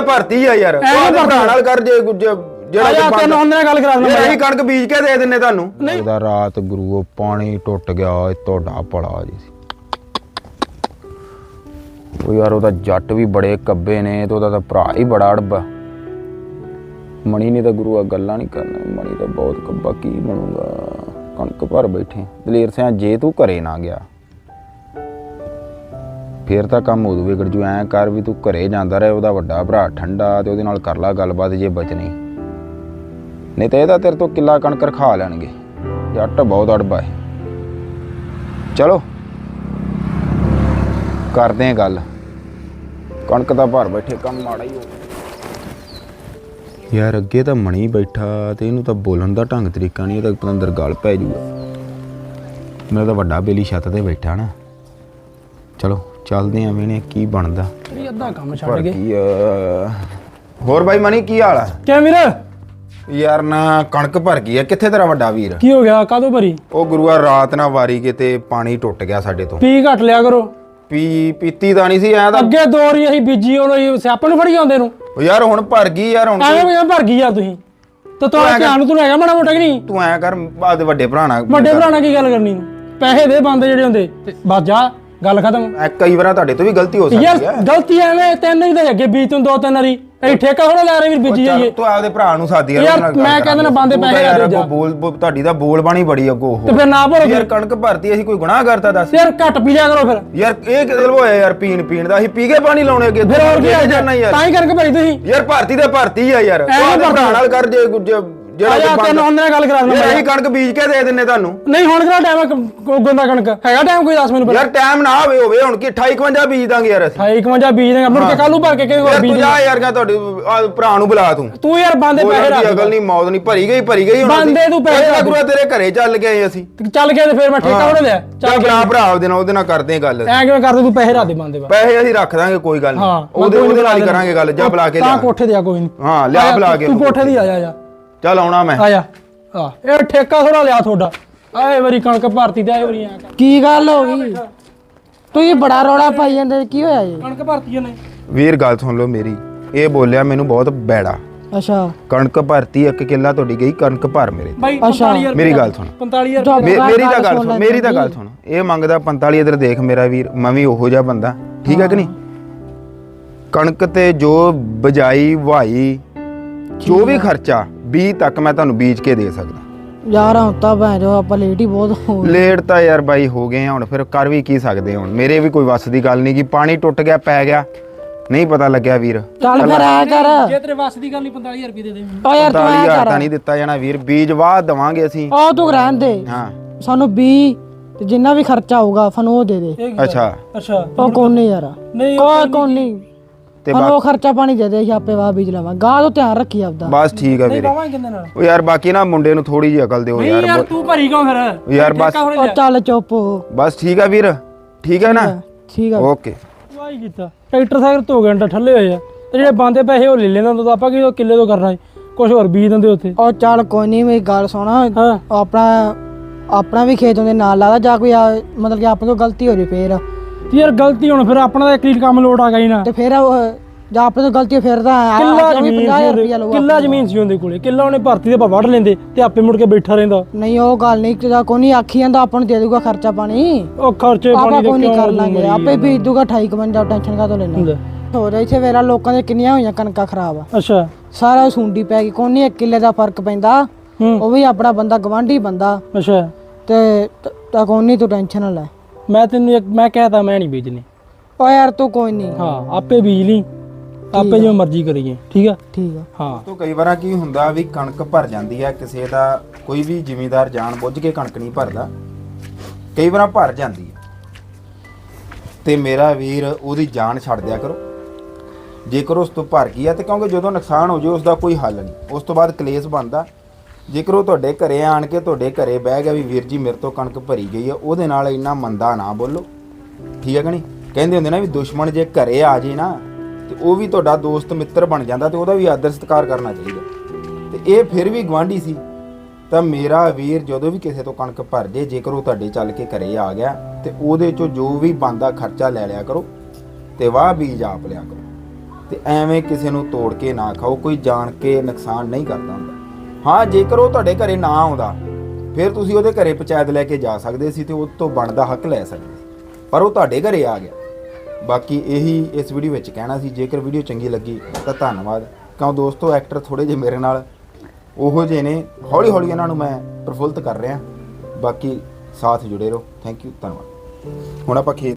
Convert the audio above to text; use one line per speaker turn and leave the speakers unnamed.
ਭਰਤੀ ਆ ਯਾਰ ਭਰਾ ਨਾਲ ਕਰ ਜੇ ਜਿਹੜਾ
ਤੈਨੂੰ ਉਹਨਾਂ ਨਾਲ ਗੱਲ ਕਰਾ ਦਿੰਦਾ
ਅਸੀਂ ਕਣਕ ਬੀਜ ਕੇ ਦੇ ਦਿੰਨੇ ਤੁਹਾਨੂੰ।
ਉਹਦਾ ਰਾਤ ਗੁਰੂ ਪਾਣੀ ਟੁੱਟ ਗਿਆ ਤੁਹਾਡਾ ਭਲਾ ਜੀ ਸੀ। ਉਹ ਯਾਰ ਉਹਦਾ ਜੱਟ ਵੀ ਬੜੇ ਕੱਬੇ ਨੇ ਤੇ ਉਹਦਾ ਤਾਂ ਭਰਾ ਹੀ ਬੜਾ ਅੜਬਾ। ਮਣੀ ਨੇ ਤਾਂ ਗੁਰੂ ਆ ਗੱਲਾਂ ਨਹੀਂ ਕਰਨਾ, ਮਣੀ ਤਾਂ ਬਹੁਤ ਕੱਬਾ, ਕੀ ਬਣੂਗਾ। ਕਣਕ ਭਰ ਬੈਠੇ ਦਲੇਰ ਸਿਆਂ, ਜੇ ਤੂੰ ਘਰੇ ਨਾ ਗਿਆ ਫੇਰ ਤਾਂ ਕੰਮ ਉਦੋਂ ਵਿਗੜ ਜੂ। ਐਂ ਕਰ ਵੀ ਤੂੰ ਘਰੇ ਜਾਂਦਾ ਰਹੇ, ਉਹਦਾ ਵੱਡਾ ਭਰਾ ਠੰਡਾ ਤੇ ਉਹਦੇ ਨਾਲ ਕਰ ਲਾ ਗੱਲਬਾਤ ਜੇ ਬਚਣੀ, ਨਹੀਂ ਤਾਂ ਇਹਦਾ ਤੇਰੇ ਤੋਂ ਕਿੱਲਾ ਕਣਕ ਰਖਾ ਲੈਣਗੇ। ਜੱਟ ਬਹੁਤ ਅੜਬਾ ਹੈ। ਚਲੋ ਕਰਦੇ ਆਂ ਗੱਲ, ਕਣਕ ਤਾਂ ਭਰ ਬੈਠੇ, ਕੰਮ ਮਾੜਾ ਹੀ ਹੋ ਯਾਰ। ਅੱਗੇ ਤਾਂ ਮਣੀ ਬੈਠਾ ਤੇ ਇਹਨੂੰ ਤਾਂ ਬੋਲਣ ਦਾ ਢੰਗ ਤਰੀਕਾ ਨਹੀਂ, ਇਹਦਾ ਪਤਾ ਅੰਦਰ ਗੱਲ ਪੈ ਜੂਗਾ। ਮੇਰਾ ਤਾਂ ਵੱਡਾ ਬੇਲੀ ਛੱਤ ਤੇ ਬੈਠਾ ਨਾ। ਚਲੋ ਚੱਲਦੇ ਆਂ, ਵੇਣੇ ਕੀ ਬਣਦਾ।
ਅੱਧਾ ਕੰਮ ਛੱਡ ਗਏ।
ਹੋਰ ਬਾਈ ਮਣੀ ਕੀ ਹਾਲ ਆ?
ਕਿਆ ਵੀਰ?
ਯਾਰ ਨਾ ਕਣਕ ਭਰ ਗਈ ਆ। ਕਿੱਥੇ ਤੇਰਾ ਵੱਡਾ ਵੀਰ?
ਕੀ ਹੋ ਗਿਆ? ਕਾਹਦੋਂ ਭਰੀ?
ਉਹ ਗੁਰੂਆ ਰਾਤ ਨਾ ਵਾਰੀ ਕਿਤੇ ਪਾਣੀ ਟੁੱਟ ਗਿਆ ਸਾਡੇ ਤੋਂ।
ਪੀ ਘੱਟ ਲਿਆ ਕਰੋ।
ਪੀਤੀ ਤਾਂ ਨਹੀਂ ਸੀ ਐ ਤਾਂ
ਅੱਗੇ ਦੋ ਵਾਰੀ ਅਸੀਂ ਬੀਜੀ ਉਹਨੂੰ ਸਿਆਪੇ ਨੂੰ ਫੜੀ ਜਾਂਦੇ ਨੂੰ।
ਯਾਰ ਹੁਣ ਭਰ ਗਈ ਯਾਰ। ਹੁਣ
ਐਵੇਂ ਭਰ ਗਈ ਯਾਰ ਤੁਸੀਂ ਤੇ ਤੁਹਾਡਾ ਧਿਆਨ ਤੂੰ ਹੈਗਾ ਮਾੜਾ ਮੋਟਾ ਕਿ ਨਹੀਂ?
ਤੂੰ ਐ ਕਰ ਬਾਦ ਵੱਡੇ ਭਰਾ ਨਾਲ
ਕੀ ਗੱਲ ਕਰਨੀ? ਪੈਸੇ ਦੇ ਬੰਦੇ ਜਿਹੜੇ ਹੁੰਦੇ ਬਸ ਜਾ, ਗੱਲ ਖਤਮ।
ਕਈ ਵਾਰ ਤੁਹਾਡੇ ਤੋਂ ਵੀ ਗਲਤੀ ਹੋ ਸਕਦੀ ਹੈ
ਯਾਰ। ਗਲਤੀ ਐਵੇਂ ਤੈਨੂੰ ਹੀ ਤਾਂ ਅੱਗੇ ਬੀਜ ਤੂੰ 2-3 ਵਾਰੀ ਇਹ ਠੇਕਾ ਥੋੜਾ ਲੈ ਰਹੇ ਵੀਰ ਬੀਜੀ ਜਾਈਏ।
ਤੂੰ ਆਪਦੇ ਭਰਾ ਨੂੰ ਸਾਦੀ
ਯਾਰ ਮੈਂ ਕਹਿੰਦਾ ਨਾ ਬੰਦੇ ਪੈਸੇ ਲਾ ਦੇ ਜਾ।
ਬੋਲ ਤੁਹਾਡੀ ਤਾਂ ਬੋਲ ਬਾਣੀ ਬੜੀ ਅੱਗੋਂ
ਤੇ ਫਿਰ ਨਾ ਭਰੋ
ਯਾਰ। ਕਣਕ ਭਰਤੀ ਅਸੀਂ ਕੋਈ ਗੁਨਾਹ ਕਰਤਾ ਦੱਸ
ਯਾਰ? ਘੱਟ ਪੀ ਲਿਆ ਕਰੋ ਫਿਰ
ਯਾਰ। ਇਹ ਕਿਹਦੇ ਹੋਇਆ ਯਾਰ? ਪੀਣ ਦਾ ਅਸੀਂ ਪੀ ਕੇ ਪਾਣੀ ਲਾਉਣੇ ਅੱਗੇ
ਫਿਰ ਹੋਰ ਕੀ
ਜਾਣਾ ਯਾਰ।
ਤਾਂ ਹੀ ਕਰਕੇ ਭਾਈ ਤੁਸੀਂ
ਯਾਰ ਭਰਤੀ ਤੇ ਭਰਤੀ ਆ ਯਾਰ। ਤੂੰ ਭਰਾ ਨਾਲ ਕਰ ਜੇ
ਜਿਹੜਾ ਤੈਨੂੰ ਉਹਨਾਂ ਨਾਲ ਗੱਲ ਕਰਾ ਦਿੰਦਾ।
ਅਸੀਂ ਕਣਕ ਬੀਜ ਕੇ ਦੇ ਦਿੰਨੇ ਤੁਹਾਨੂੰ।
ਨਹੀਂ ਹੁਣ ਕਿਹੜਾ ਟਾਈਮ ਗੋਂਦਾ ਕਣਕ ਹੈਗਾ? ਟਾਈਮ ਕੋਈ ਦੱਸ ਮੈਨੂੰ।
ਯਾਰ ਟਾਈਮ ਨਾ ਹੋਵੇ ਹੁਣ ਕੀ 28-51 ਬੀਜ ਦਾਂਗੇ ਯਾਰ ਅਸੀਂ।
58 ਬੀਜ ਦੇਗਾ ਮੁੜ ਕੇ ਕੱਲ ਨੂੰ ਭਰ ਕੇ ਕਿਹਦੇ ਕੋਲ ਬੀਜ।
ਤੂੰ ਜਾ ਯਾਰ ਕਾ ਤੁਹਾਡੇ ਭਰਾ ਨੂੰ ਬੁਲਾ
ਤੂੰ ਯਾਰ ਬੰਦੇ ਪੈਸੇ ਰੱਖ।
ਅਗਲ ਨਹੀਂ ਮੌਤ ਨਹੀਂ ਭਰੀ ਗਈ ਹੁਣ
ਬੰਦੇ ਤੂੰ ਪੈਸੇ ਰੱਖ।
ਗੁਰੂ ਤੇਰੇ ਘਰੇ ਚੱਲ ਗਏ ਅਸੀਂ।
ਚੱਲ ਗਿਆ ਤੇ ਫਿਰ ਮੈਂ ਠੇਕਾ ਉਹਨੇ ਲਿਆ।
ਚੱਲ ਭਰਾ ਉਹਦੇ ਨਾਲ ਕਰਦੇ ਆ ਗੱਲ।
ਐ ਕਿਵੇਂ ਕਰਦੇ? ਤੂੰ ਪੈਸੇ ਰੱਖ ਦੇ ਬੰਦੇ ਵਾ।
ਪੈਸੇ ਅਸੀਂ ਰੱਖ ਦਾਂਗੇ ਕੋਈ ਗੱਲ ਨਹੀਂ। ਉਹਦੇ ਨਾਲ ਹੀ ਕਰਾਂਗੇ ਗੱਲ। ਜਾ ਬੁਲਾ ਕੇ ਲਿਆ।
ਤਾਂ ਕੋਠੇ ਤੇ ਆ ਕੋਈ ਨਹੀਂ।
ਹਾਂ ਲਿਆ ਬੁਲਾ ਕੇ।
ਤੂੰ ਕੋਠੇ ਦੀ ਆ ਜਾ।
ਚੱਲ ਆਉਣਾ ਮੈਂ।
ਆ ਜਾ। ਇਹ ਠੇਕਾ ਥੋੜਾ ਲਿਆ ਤੁਹਾਡਾ। ਆਏ ਵਾਰੀ ਕਣਕ ਭਰਤੀ ਤੇ ਆਏ ਵਾਰੀ ਐ ਕਰ।
ਕੀ ਗੱਲ ਹੋ ਗਈ? ਤੁਸੀਂ ਬੜਾ ਰੌਲਾ ਪਾਈ ਜਾਂਦੇ, ਕੀ ਹੋਇਆ ਜੀ?
ਕਣਕ ਭਰਤੀ ਨੇ
ਵੀਰ ਗੱਲ ਸੁਣ ਲਓ ਮੇਰੀ। ਇਹ ਬੋਲਿਆ ਮੈਨੂੰ ਬਹੁਤ ਬੈੜਾ।
ਅੱਛਾ।
ਕਣਕ ਭਰਤੀ 1 ਕਿੱਲਾ ਤੁਹਾਡੀ ਗਈ ਕਣਕ ਭਰ ਮੇਰੇ
ਬਾਈ 45000
ਮੇਰੀ ਗੱਲ ਸੁਣ।
45000
ਮੇਰੀ ਤਾਂ ਗੱਲ ਸੁਣ। ਇਹ ਮੰਗਦਾ 45। ਇਧਰ ਦੇਖ ਮੇਰਾ ਵੀਰ, ਮੈਂ ਵੀ ਉਹੋ ਜਿਹਾ ਬੰਦਾ, ਠੀਕ ਹੈ ਕਿ ਨਹੀਂ? ਕਣਕ ਤੇ ਜੋ ਬਜਾਈ ਵਾਈ ਜੋ ਵੀ ਖਰਚਾ 20 ਤੱਕ ਮੈਂ ਤੁਹਾਨੂੰ ਬੀਜ ਕੇ ਦੇ ਸਕਦਾ
ਯਾਰ। ਹੁਣ ਤਾਂ ਭੈਣ ਜੋ ਆਪਾਂ ਲੇਟ ਹੀ ਬਹੁਤ ਹੋ ਗਏ।
ਲੇਟ ਤਾਂ ਯਾਰ ਬਾਈ ਹੋ ਗਏ ਹੁਣ, ਫਿਰ ਕਰ ਵੀ ਕੀ ਸਕਦੇ ਹੁਣ। ਮੇਰੇ ਵੀ ਕੋਈ ਵੱਸ ਦੀ ਗੱਲ ਨਹੀਂ ਕਿ ਪਾਣੀ ਟੁੱਟ ਗਿਆ ਪੈ ਗਿਆ, ਨਹੀਂ ਪਤਾ ਲੱਗਿਆ ਵੀਰ।
ਚੱਲ ਫਿਰ ਆ ਕਰ।
ਜੇ ਤੇਰੇ ਵੱਸ ਦੀ ਗੱਲ ਨਹੀਂ 45000 ਰੁਪਏ ਦੇ ਦੇ।
ਓ ਯਾਰ ਤੂੰ ਆ
45000
ਕਰ।
ਤਾਂ ਨਹੀਂ ਦਿੱਤਾ ਜਾਣਾ ਵੀਰ। ਬੀਜ ਵਾਹ ਦਵਾਂਗੇ ਅਸੀਂ।
ਉਹ ਤੂੰ ਰਹਿਣ ਦੇ।
ਹਾਂ
ਸਾਨੂੰ 20 ਤੇ ਜਿੰਨਾ ਵੀ ਖਰਚਾ ਹੋਊਗਾ ਸਾਨੂੰ ਉਹ ਦੇ ਦੇ।
ਅੱਛਾ
ਉਹ ਕੋਈ ਨਹੀਂ ਯਾਰ।
ਨਹੀਂ
ਕੋਈ ਨਹੀਂ
ਤੇ
ਉਹ ਖਰਚਾ ਪਾਣੀ ਦੇ ਦੇ। ਆਪੇ ਵਾਹ ਬੀਜ ਲਵਾਂ। ਗਾਹ ਤੋਂ ਧਿਆਨ ਰੱਖੀ ਆਪਦਾ।
ਬਸ ਠੀਕ ਆ ਵੀਰੇ। ਉਹ ਯਾਰ ਬਾਕੀ ਨਾ ਮੁੰਡੇ ਨੂੰ ਥੋੜੀ ਜਿਹੀ ਅਕਲ ਦਿਓ ਯਾਰ।
ਯਾਰ ਤੂੰ ਭਰੀ ਕਿਉਂ ਫਿਰ?
ਯਾਰ ਬਸ
ਉਹ ਚੱਲ ਚੁੱਪ ਹੋ।
ਬਸ ਠੀਕ ਆ ਵੀਰ। ਠੀਕ ਆ ਨਾ?
ਠੀਕ ਆ।
ਓਕੇ।
ਵਾਹੀ ਕੀਤਾ। ਟਰੈਕਟਰ ਸਾਈਕਲ 2 ਘੰਟਾ ਠੱਲੇ ਹੋਏ ਆ ਤੇ ਜਿਹੜੇ ਬੰਦੇ ਪੈਸੇ ਉਹ ਲੈ ਲੈਂਦਾ ਤਾਂ ਆਪਾਂ ਕੀ ਕਿੱਲੇ ਤੋਂ ਕਰਨਾ ਕੁਝ ਹੋਰ ਬੀਜ ਦਿੰਦੇ ਉੱਥੇ।
ਉਹ ਚੱਲ ਕੋਈ ਨਹੀਂ, ਮੇਰੀ ਗੱਲ ਸੁਣ। ਆਪਣਾ ਵੀ ਖੇਤ ਉਹਦੇ ਨਾਲ ਲਾਦਾ ਜਾਂ ਕੋਈ ਮਤਲਬ ਕਿ ਆਪਣੇ ਤੋਂ ਗਲਤੀ ਹੋ ਜੇ ਫੇਰ
ਯਾਰ ਗਲਤੀ ਹੁਣ ਫਿਰ ਆਪਣਾ ਤਾਂ ਇੱਕ ਕੰਮ ਲੋਟ ਆ ਗਈ ਨਾ।
ਤੇ ਫਿਰ ਜਾਂ ਆਪਣੇ ਤੋਂ ਗਲਤੀ ਫਿਰ ਤਾਂ
ਕਿੱਲਾ
50,000 ਰੁਪਇਆ ਲਊਗਾ।
ਕਿੱਲਾ ਜ਼ਮੀਨ ਸੀ ਉਹਦੇ ਕੋਲੇ। ਕਿੱਲਾ ਉਹਨੇ ਭਰਤੀ ਦੇ ਆਪਾਂ ਵੱਢ ਲੈਂਦੇ ਤੇ ਆਪੇ ਮੁੜ ਕੇ ਬੈਠਾ ਰਹਿੰਦਾ।
ਨਹੀਂ ਉਹ ਗੱਲ ਨਹੀਂ ਕਿ ਕੋਈ ਨਹੀਂ ਆਖੀ ਜਾਂਦਾ ਆਪਾਂ ਨੂੰ ਦੇ ਦੂਗਾ ਖਰਚਾ ਪਾਣੀ।
ਉਹ ਖਰਚੇ
ਆਪਾਂ
ਪਾਣੀ ਦੇ
ਕੋਈ ਨਹੀਂ ਕਰ ਲਾਂਗੇ ਆਪੇ ਬੀਜ ਦੂਗਾ। 58 ਟੈਨਸ਼ਨ ਕਾਹਤੋਂ ਲੈਣਾ? ਹੋ ਰਿਹਾ ਇੱਥੇ ਵੇਰਾ ਲੋਕਾਂ ਦੇ ਕਿੰਨੀਆਂ ਹੋਈਆਂ ਕਣਕਾਂ ਖਰਾਬ।
ਅੱਛਾ।
ਸਾਰਾ ਸੁੰਡੀ ਪੈ ਗਈ। ਕੋਈ ਨਹੀਂ 1 ਕਿੱਲੇ ਦਾ ਫਰਕ ਪੈਂਦਾ। ਉਹ ਵੀ ਆਪਣਾ ਬੰਦਾ ਗਵਾਂਢੀ ਬੰਦਾ।
ਅੱਛਾ।
ਤੇ ਤਾਂ ਕੋਈ ਨਹੀਂ ਤੂੰ ਟੈਨਸ਼ਨ ਨਾ ਲੈ।
ਮੈਂ ਕਹਿਤਾ ਮੈਂ ਨਹੀਂ ਬੀਜਣੀ।
ਓ ਯਾਰ ਤੂੰ ਕੋਈ ਨਹੀਂ।
ਹਾਂ ਆਪੇ ਬੀਜ ਲਈ, ਆਪੇ ਜਿਵੇਂ ਮਰਜ਼ੀ ਕਰੀਏ। ਠੀਕ ਆ?
ਠੀਕ ਆ।
ਹਾਂ।
ਤੋ ਕਈ ਵਾਰਾਂ ਕੀ ਹੁੰਦਾ ਵੀ ਕਣਕ ਭਰ ਜਾਂਦੀ ਹੈ ਕਿਸੇ ਦਾ। ਕੋਈ ਵੀ ਜ਼ਿਮੀਂਦਾਰ ਜਾਣ ਬੁੱਝ ਕੇ ਕਣਕ ਨਹੀਂ ਭਰਦਾ, ਕਈ ਵਾਰਾਂ ਭਰ ਜਾਂਦੀ ਹੈ ਤੇ ਮੇਰਾ ਵੀਰ ਉਹਦੀ ਜਾਨ ਛੱਡ ਦਿਆ ਕਰੋ। ਜੇਕਰ ਉਸ ਤੋਂ ਭਰ ਗਈ ਆ ਤੇ ਕਿਉਂਕਿ ਜਦੋਂ ਨੁਕਸਾਨ ਹੋ ਜਾਏ ਉਸ ਦਾ ਕੋਈ ਹੱਲ ਨਹੀਂ, ਉਸ ਤੋਂ ਬਾਅਦ ਕਲੇਸ਼ ਬਣਦਾ। ਜੇਕਰ ਉਹ ਤੁਹਾਡੇ ਘਰੇ ਆਣ ਕੇ ਤੁਹਾਡੇ ਘਰੇ ਬਹਿ ਗਿਆ ਵੀ ਵੀਰ ਜੀ ਮੇਰੇ ਤੋਂ ਕਣਕ ਭਰੀ ਗਈ ਆ, ਉਹਦੇ ਨਾਲ ਇੰਨਾ ਮੰਦਾ ਨਾ ਬੋਲੋ। ਠੀਕ ਹੈ ਕਿ ਨਹੀਂ? ਕਹਿੰਦੇ ਹੁੰਦੇ ਨਾ ਵੀ ਦੁਸ਼ਮਣ ਜੇ ਘਰੇ ਆ ਜੇ ਨਾ ਤੇ ਉਹ ਵੀ ਤੁਹਾਡਾ ਦੋਸਤ ਮਿੱਤਰ ਬਣ ਜਾਂਦਾ ਤੇ ਉਹਦਾ ਵੀ ਆਦਰ ਸਤਿਕਾਰ ਕਰਨਾ ਚਾਹੀਦਾ। ਤੇ ਇਹ ਫਿਰ ਵੀ ਗਵਾਂਢੀ ਸੀ ਤਾਂ ਮੇਰਾ ਵੀਰ ਜਦੋਂ ਵੀ ਕਿਸੇ ਤੋਂ ਕਣਕ ਭਰ ਜੇ, ਜੇਕਰ ਉਹ ਤੁਹਾਡੇ ਚੱਲ ਕੇ ਘਰੇ ਆ ਗਿਆ ਤੇ ਉਹਦੇ ਚੋਂ ਜੋ ਵੀ ਬਣਦਾ ਖਰਚਾ ਲੈ ਲਿਆ ਕਰੋ ਤੇ ਵਾਹ ਬੀਜ ਆਪ ਲਿਆ ਕਰੋ। ਤੇ ਐਵੇਂ ਕਿਸੇ ਨੂੰ ਤੋੜ ਕੇ ਨਾ ਖਾਓ। ਕੋਈ ਜਾਣ ਕੇ ਨੁਕਸਾਨ ਨਹੀਂ ਕਰਦਾ ਹੁੰਦਾ। ਹਾਂ, ਜੇਕਰ ਉਹ ਤੁਹਾਡੇ ਘਰੇ ਨਾ ਆਉਂਦਾ ਫਿਰ ਤੁਸੀਂ ਉਹਦੇ ਘਰੇ ਪੰਚਾਇਤ ਲੈ ਕੇ ਜਾ ਸਕਦੇ ਸੀ ਤੇ ਉਹ ਤੋਂ ਬਣਦਾ ਹੱਕ ਲੈ ਸਕਦੇ ਸੀ, ਪਰ ਉਹ ਤੁਹਾਡੇ ਘਰੇ ਆ ਗਿਆ। ਬਾਕੀ ਇਹੀ ਇਸ ਵੀਡੀਓ ਵਿੱਚ ਕਹਿਣਾ ਸੀ। ਜੇਕਰ ਵੀਡੀਓ ਚੰਗੀ ਲੱਗੀ ਤਾਂ ਧੰਨਵਾਦ। ਕਿਉਂ ਦੋਸਤੋ, ਐਕਟਰ ਥੋੜੇ ਜਿਹੇ ਮੇਰੇ ਨਾਲ ਉਹੋ ਜਿਹੇ ਨੇ, ਹੌਲੀ ਹੌਲੀ ਇਹਨਾਂ ਨੂੰ ਮੈਂ ਪ੍ਰਫੁੱਲਤ ਕਰ ਰਿਹਾ। ਬਾਕੀ ਸਾਥ ਜੁੜੇ ਰਹੋ। ਥੈਂਕ ਯੂ, ਧੰਨਵਾਦ। ਹੁਣ ਆਪਾਂ ਖੇਤ